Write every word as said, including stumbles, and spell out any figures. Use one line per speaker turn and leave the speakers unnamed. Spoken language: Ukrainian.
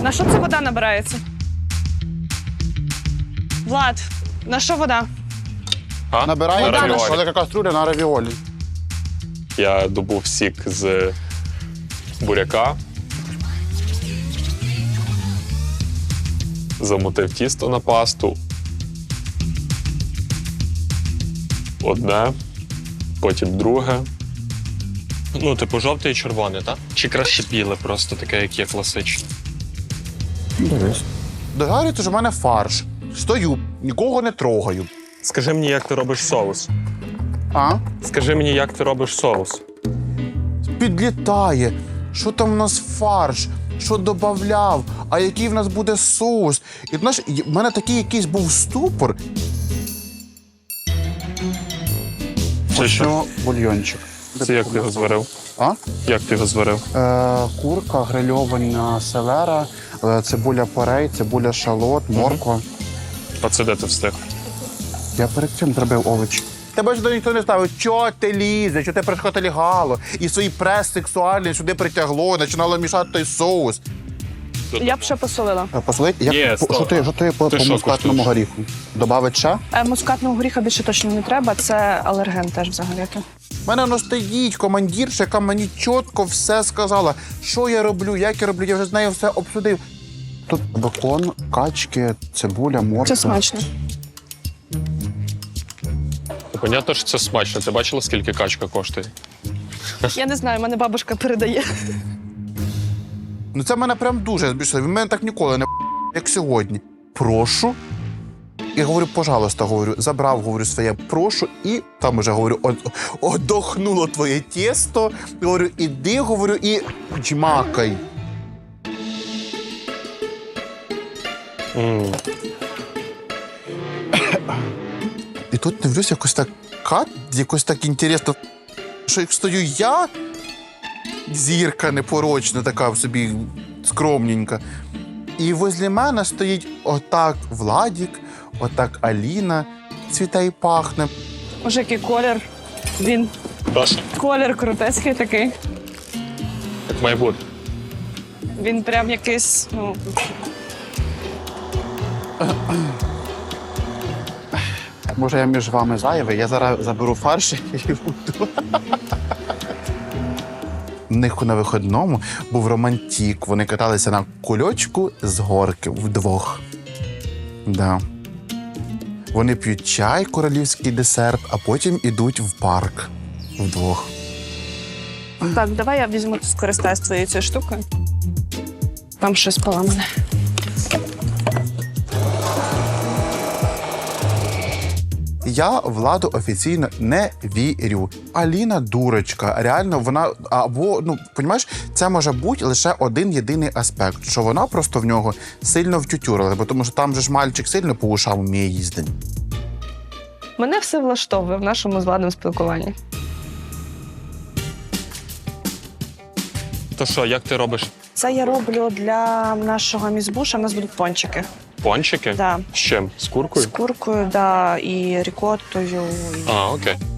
На що це вода набирається? Влад, на що вода?
А?
Набираємо
На равіолі.
велика каструля на равіолі.
Я добув сік з буряка. Замутив тісто на пасту. Одне, потім друге.
Ну, типу, жовте і червоне, так? Чи краще біле, просто таке, як є класичне?
Дивись. Догарюється, що в мене фарш. Стою, нікого не трогаю.
Скажи мені, як ти робиш соус.
А?
Скажи мені, як ти робиш соус.
Підлітає. Що там у нас фарш? Що додавав? А який в нас буде соус? І знаєш, в мене такий якийсь був ступор.
Це що?
Почну бульйончик.
Це як ти його зварив?
А?
Як ти його зварив?
Е, курка, грильована селера, е, цибуля порей, цибуля шалот, морква.
А це де ти встиг?
Я перед цим зробив овочі. Тебе сюди ніхто не ставив. Чого ти лізеш? Чого ти пришкоти лягало? І свій прес сексуальний сюди притягло, починало мішати той соус.
Я б ще посолила.
Е, Посолить? Як,
Є,
по-
стоп.
що ти, що ти по,
Ти
по
що
мускатному
куштуєш?
горіху? Добавить ще?
Е, Мускатного горіха більше точно не треба, це алерген теж взагалі.
У мене воно стоїть командірша, яка мені чітко все сказала. Що я роблю, як я роблю, я вже з нею все обсудив. Тут бекон, качки, цибуля, морква.
Це смачно.
Понятно, що це смачно. Ти бачила, скільки качка коштує?
Я не знаю, мене бабушка передає.
Ну це мене прям дуже збільшило. Він мене так ніколи не як сьогодні. Прошу. І говорю, пожалуйста, говорю, забрав, говорю, своє прошу, і там уже говорю, «От- одохнуло твоє тісто. Говорю, іди, говорю, і джмакай.
М.
І тут дивлюсь, якось так кат, якось так інтересно, що як стою я, зірка непорочна, така в собі скромненька. І возле мене стоїть отак Владік, отак Аліна, цвіте і пахне.
Може, який колір. Він
Даша,
колір крутецький такий.
як має бути.
Він прям якийсь, ну,
Може, я між вами зайвий, я зараз заберу фарш і буду. У них на виходному був романтик. Вони каталися на кульочку з горки вдвох. Да. Вони п'ють чай, королівський десерт, а потім ідуть в парк вдвох.
так, давай я візьму, скористаюсь твоєю цією штукою. Там щось поламане.
Я Владу офіційно не вірю. Аліна дурочка. Реально, вона або, ну, понімаєш, це може бути лише один єдиний аспект, що вона просто в нього сильно втютюрила, бо тому що там же ж мальчик сильно по ушам вміє їздити.
Мене все влаштовує в нашому з Владом спілкуванні.
То що, як ти робиш
Це я роблю для нашого мізбуша, у нас будуть пончики.
пончики?
Да.
З чим? З куркою?
З куркою, да, і рікоттою. І...
А, окей.